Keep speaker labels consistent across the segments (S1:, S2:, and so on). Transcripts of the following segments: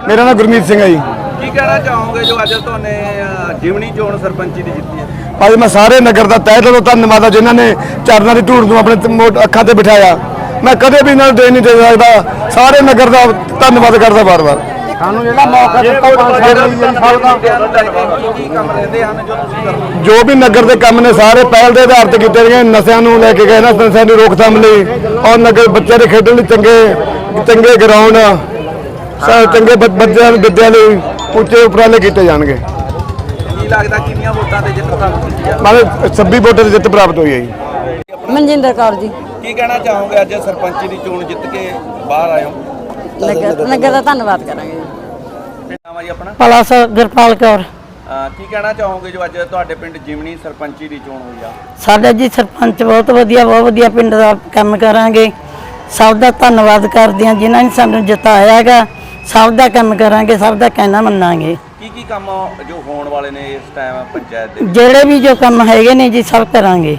S1: ਮੇਰਾ ਨਾਮ ਗੁਰਮੀਤ ਸਿੰਘ ਹੈ ਜੀ।
S2: ਕੀ ਕਹਿਣਾ ਚਾਹੋਗੇ ਜੋ ਅੱਜ ਤੁਹਾਨੇ ਜਿਮਣੀ ਚੋਣ ਸਰਪੰਚੀ ਦੀ ਜਿੱਤੀ ਹੈ?
S1: ਅੱਜ ਮੈਂ ਸਾਰੇ ਨਗਰ ਦਾ ਤਹਿ ਦਿਲੋਂ ਧੰਨਵਾਦ ਆ ਜਿਨ੍ਹਾਂ ਨੇ ਚਰਨਾਂ ਦੀ ਧੂੜ ਨੂੰ ਆਪਣੇ ਅੱਖਾਂ ਤੇ ਬਿਠਾਇਆ। ਮੈਂ ਕਦੇ ਵੀ ਇਹਨਾਂ ਨੂੰ ਦੇ ਨਹੀਂ ਦੇ ਸਕਦਾ। ਸਾਰੇ ਨਗਰ ਦਾ ਧੰਨਵਾਦ ਕਰਦਾ ਵਾਰ-ਵਾਰ।
S3: ਸਾਨੂੰ ਜਿਹੜਾ ਮੌਕਾ ਦਿੱਤਾ 5 ਸਾਲ ਦਾ
S2: ਕੀ ਕੰਮ ਰਹਿੰਦੇ ਹਨ ਜੋ ਤੁਸੀਂ ਕਰਦੇ?
S1: ਜੋ ਵੀ ਨਗਰ ਦੇ ਕੰਮ ਨੇ ਸਾਰੇ ਪਹਿਲ ਦੇ ਆਧਾਰ ਤੇ ਕੀਤੇ ਗਏ। ਨਸ਼ਿਆਂ ਨੂੰ ਲੈ ਕੇ ਗਏ ਨਾ, ਨਸ਼ਿਆਂ ਦੀ ਰੋਕਥਾਮ ਲਈ ਔਰ ਨਗਰ ਬੱਚਿਆਂ ਦੇ ਖੇਡਣ ਲਈ ਚੰਗੇ ਗਰਾਊਂਡ, ਚੰਗੇ ਬੱਚਿਆਂ ਨੂੰ ਵਿੱਦਿਆ ਲਈ ਉੱਚੇ ਉਪਰਾਲੇ ਕੀਤੇ ਜਾਣਗੇ।
S2: ਕੀ ਲੱਗਦਾ ਕਿੰਨੀਆਂ ਵੋਟਾਂ ਤੇ ਜਿੱਤ ਪ੍ਰਾਪਤ ਕੀਤੀ ਹੈ?
S1: ਮਾਰੇ 26 ਵੋਟਾਂ ਦੀ ਜਿੱਤ ਪ੍ਰਾਪਤ ਹੋਈ ਹੈ ਜੀ।
S4: ਮਨਜਿੰਦਰ ਕੌਰ ਜੀ।
S2: ਕੀ ਕਹਿਣਾ ਚਾਹੋਗੇ ਅੱਜ ਸਰਪੰਚੀ ਦੀ ਚੋਣ ਜਿੱਤ ਕੇ ਬਾਹਰ ਆਏ ਹੋ?
S4: ਨਗਰ ਦਾ ਧੰਨਵਾਦ ਕਰਾਂਗੇ ਜੀ।
S2: ਕੀ ਨਾਮ ਹੈ ਜੀ ਆਪਣਾ?
S4: ਭਲਾ ਸਰ ਗੁਰਪਾਲ ਕੌਰ।
S2: ਕੀ ਕਹਿਣਾ ਚਾਹੋਗੇ ਜੋ ਅੱਜ ਤੁਹਾਡੇ ਪਿੰਡ ਜਿਮਣੀ ਸਰਪੰਚੀ ਦੀ ਚੋਣ ਹੋਈ ਆ?
S4: ਸਾਡਾ ਜੀ ਸਰਪੰਚ ਬਹੁਤ ਵਧੀਆ ਪਿੰਡ ਦਾ ਕੰਮ ਕਰਾਂਗੇ। ਸਭ ਦਾ ਧੰਨਵਾਦ ਕਰਦੇ ਹਾਂ ਜਿਨ੍ਹਾਂ ਨੇ ਸਾਨੂੰ ਜਿਤਾਇਆ ਹੈਗਾ। ਸਭ ਦਾ ਕੰਮ ਕਰਾਂਗੇ, ਸਭ ਦਾ ਕਹਿਣਾ ਮੰਨਾਂਗੇ।
S2: ਕੀ ਕੰਮ ਜੋ ਹੋਣ ਵਾਲੇ ਨੇ ਇਸ ਟਾਈਮ ਪੰਚਾਇਤ ਦੇ?
S4: ਜਿਹੜੇ ਵੀ ਜੋ ਕੰਮ ਹੈਗੇ ਨੇ ਜੀ ਸਭ ਕਰਾਂਗੇ।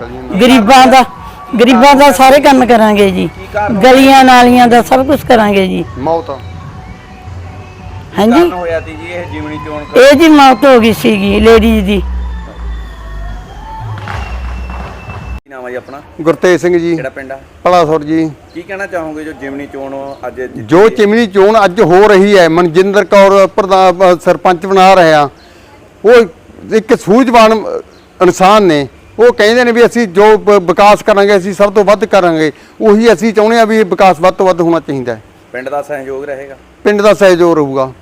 S4: ਗਰੀਬਾਂ ਦਾ ਸਾਰੇ ਕੰਮ ਕਰਾਂਗੇ ਜੀ। ਗਲੀਆਂ ਨਾਲੀਆਂ ਦਾ ਸਭ ਕੁਝ ਕਰਾਂਗੇ ਜੀ।
S1: ਮੌਤ
S4: ਹਾਂਜੀ
S2: ਹੋਇਆ ਸੀ ਜੀ ਇਹ ਜਿਮਣੀ ਚੋਣ?
S4: ਇਹ ਜੀ ਮੌਤ ਹੋ ਗਈ ਸੀਗੀ ਲੇਡੀਜ਼ ਦੀ।
S2: ਕੀ ਨਾਮ ਹੈ ਜੀ ਆਪਣਾ?
S3: ਗੁਰਤੇਜ ਸਿੰਘ ਜੀ,
S2: ਕਿਹੜਾ ਪਿੰਡ ਆ?
S3: ਪਲਾਸੁਰ ਜੀ।
S2: ਕੀ ਕਹਿਣਾ ਚਾਹੋਗੇ ਜੋ ਜਿਮਣੀ ਚੋਣ ਅੱਜ
S3: ਜੋ ਚਿਮਨੀ ਚੋਣ ਅੱਜ ਹੋ ਰਹੀ ਹੈ, ਮਨਜਿੰਦਰ ਕੌਰ ਪ੍ਰਧਾਨ ਸਰਪੰਚ ਬਣਾ ਰਿਹਾ। ਉਹ ਇੱਕ ਸੂਝਵਾਨ ਇਨਸਾਨ ਨੇ। ਉਹ ਕਹਿੰਦੇ ਨੇ ਵੀ ਅਸੀਂ ਜੋ ਵਿਕਾਸ ਕਰਾਂਗੇ ਅਸੀਂ ਸਭ ਤੋਂ ਵੱਧ ਕਰਾਂਗੇ। ਉਹੀ ਅਸੀਂ ਚਾਹੁੰਦੇ ਹਾਂ ਵੀ ਵਿਕਾਸ ਵੱਧ ਤੋਂ ਵੱਧ ਹੋਣਾ ਚਾਹੀਦਾ ਹੈ।
S2: ਪਿੰਡ ਦਾ ਸਹਿਯੋਗ ਰਹੇਗਾ?
S3: ਪਿੰਡ ਦਾ ਸਹਿਯੋਗ ਰਹੂਗਾ।